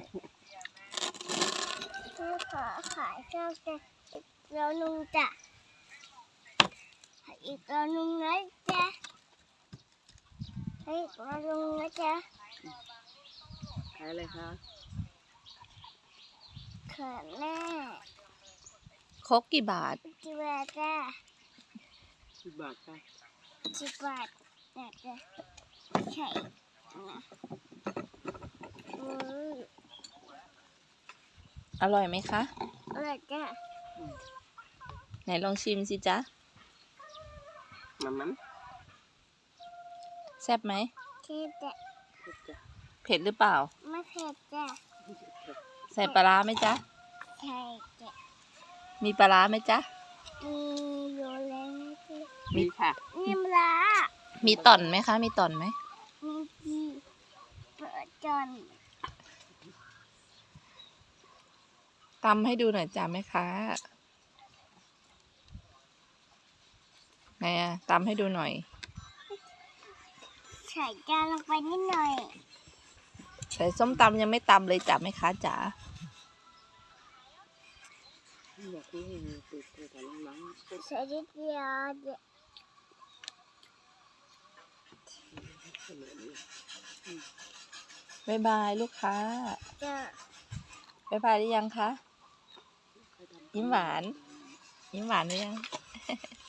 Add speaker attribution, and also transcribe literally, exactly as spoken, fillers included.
Speaker 1: คือขอขายข้าวจะอีกแล้วนึงจ้ะอีกแล้วนึงนะจ๊ะอีกแล้วนึงนะจ๊ะ
Speaker 2: ขายอะไรคะ
Speaker 1: เขินแม่
Speaker 3: ครกกี่บาท
Speaker 1: จิบาทจ้ะ
Speaker 2: สิบบาทค่ะ
Speaker 1: จิบาทนะจ๊ะใช่นะอือ
Speaker 3: อร่อยไหมคะ
Speaker 1: อะไรจ้ะ
Speaker 3: ไหนลองชิมสิจ๊ะ
Speaker 2: มันมัน
Speaker 3: แซ่บไหม
Speaker 1: ที่จะ
Speaker 2: จ้ะ
Speaker 3: เผ็ดหรือเปล่า
Speaker 1: ไม่เผ็ดจ้ะ
Speaker 3: ใส่ปลาร้าไหมจ๊ะ
Speaker 1: ใช่จ้ะ
Speaker 3: มีปลาร้าไหมจ๊ะ
Speaker 1: มีอยู่แล้วนะจ๊ะ
Speaker 2: มีค่ะ
Speaker 1: มีมะระ
Speaker 3: มีต่อนไหมคะ มีต่อนไหม
Speaker 1: มีจีเปิดจน
Speaker 3: ตำให้ดูหน่อยจ้ะแม่ค้าไหนอะตำให้ดูหน่อย
Speaker 1: ใส่จานลงไปนิดหน่อย
Speaker 3: ใส่ส้มตำยังไม่ตำเลยจ้ะแม่ค้าจ๋า
Speaker 2: อยากให้มีติดตัวแต่ล้างๆ
Speaker 1: ใส่นิดเดียวเดี๋ยว
Speaker 3: บ๊ายบายลูกค้า
Speaker 1: จะ
Speaker 3: บ๊ายบายหรือยังคะ ยิ้มหวาน ยิ้มหวานหรือยัง